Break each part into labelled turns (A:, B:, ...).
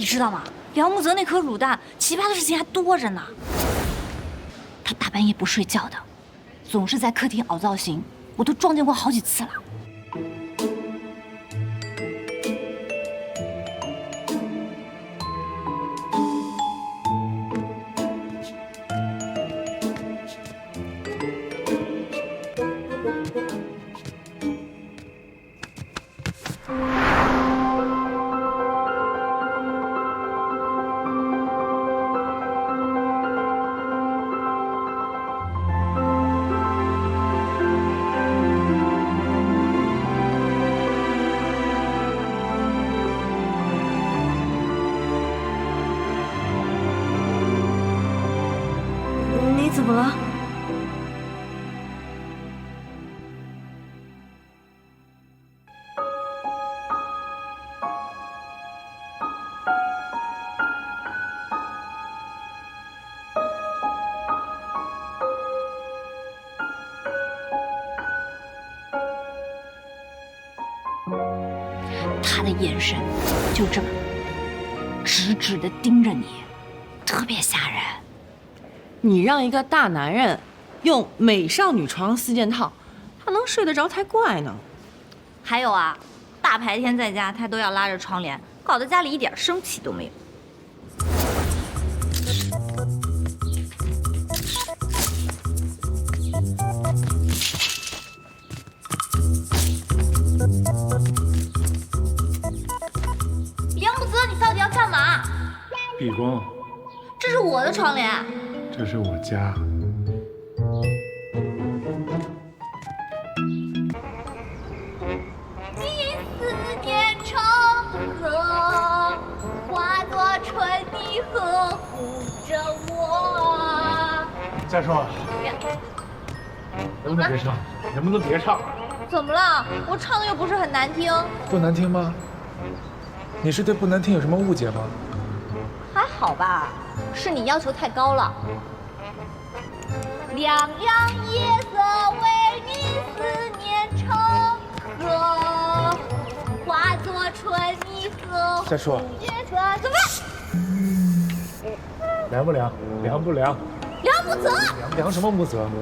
A: 你知道吗？梁木泽那颗卤蛋，奇葩的事情还多着呢。他大半夜不睡觉的，总是在客厅凹造型，我都撞见过好几次了。你怎么了？他的眼神就这么直直的盯着你，特别吓人。
B: 你让一个大男人用美少女床4件套，他能睡得着才怪呢。
A: 还有啊，大白天在家他都要拉着窗帘，搞得家里一点生气都没有。梁木泽，你到底要干嘛？
C: 闭关，
A: 这是我的窗帘。
C: 这是我家。
A: 思念成河，化作春泥呵护着我。
C: 再说，能不能别唱？能不能别唱？
A: 怎么了？我唱的又不是很难听。
C: 不难听吗？你是对不难听有什么误解吗？
A: 还好吧，是你要求太高了。凉凉夜色为你思念成河，化作春泥呵护。
C: 再说，
A: 怎么了？
C: 凉不凉？凉不凉？
A: 梁木泽，
C: 凉什么木泽？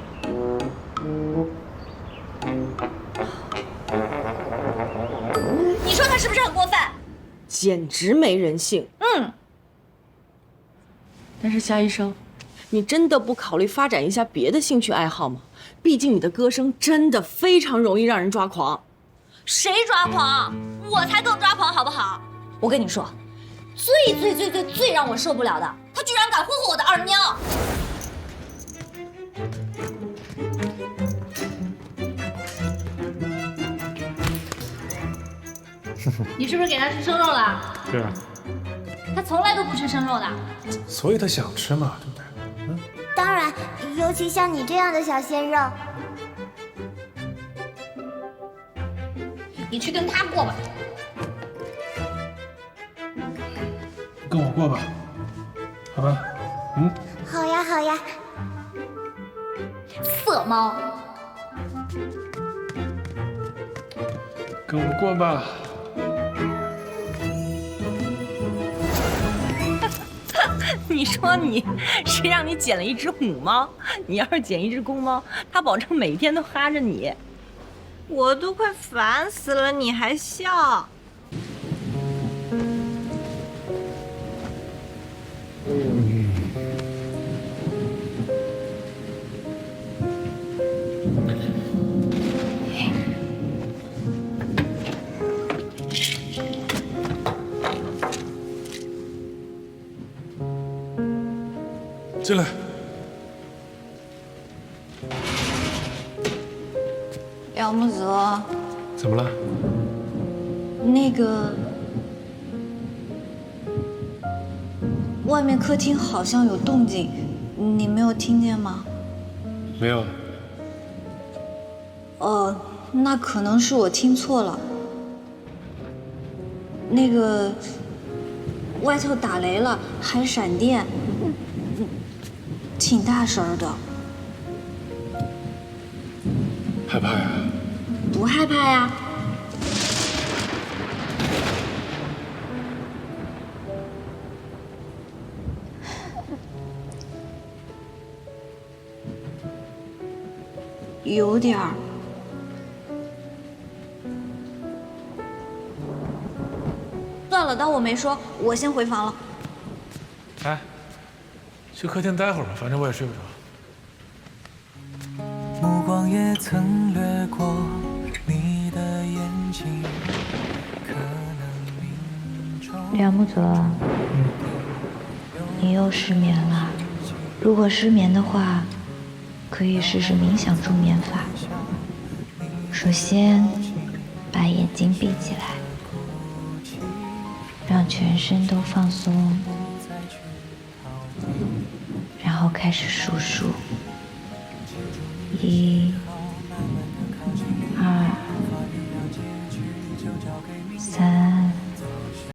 A: 你说他是不是很过分？
B: 简直没人性。但是夏医生，你真的不考虑发展一下别的兴趣爱好吗？毕竟你的歌声真的非常容易让人抓狂。
A: 谁抓狂？我才更抓狂，好不好？我跟你说，最让我受不了的，他居然敢霍霍我的二喵！你是不是给他吃生肉了？
C: 对啊，
A: 他从来都不吃生肉的。
C: 所以他想吃嘛，对不对？
D: 当然，尤其像你这样的小鲜肉。
A: 你去跟他过吧。
C: 跟我过吧，好吧？
D: 好呀，好呀。
A: 色猫，
C: 跟我过吧。
B: 你说你，谁让你捡了一只母猫？你要是捡一只公猫，它保证每天都哈着你。我都快烦死了，你还笑？
C: 进来。
A: 梁木泽，
C: 怎么了？
A: 那个，外面客厅好像有动静，你没有听见吗？
C: 没有。
A: 那可能是我听错了。那个，外头打雷了，还闪电，挺大声的。
C: 害怕呀？
A: 不害怕呀。 有点儿。算了，当我没说，我先回房了。
C: 哎，去客厅待会儿吧，反正我也睡不着。
E: 目光也曾掠过你的眼睛，可能命中
A: 梁木泽，你又失眠了。如果失眠的话，可以试试冥想助眠法。首先，把眼睛闭起来，让全身都放松，然后开始数数：1、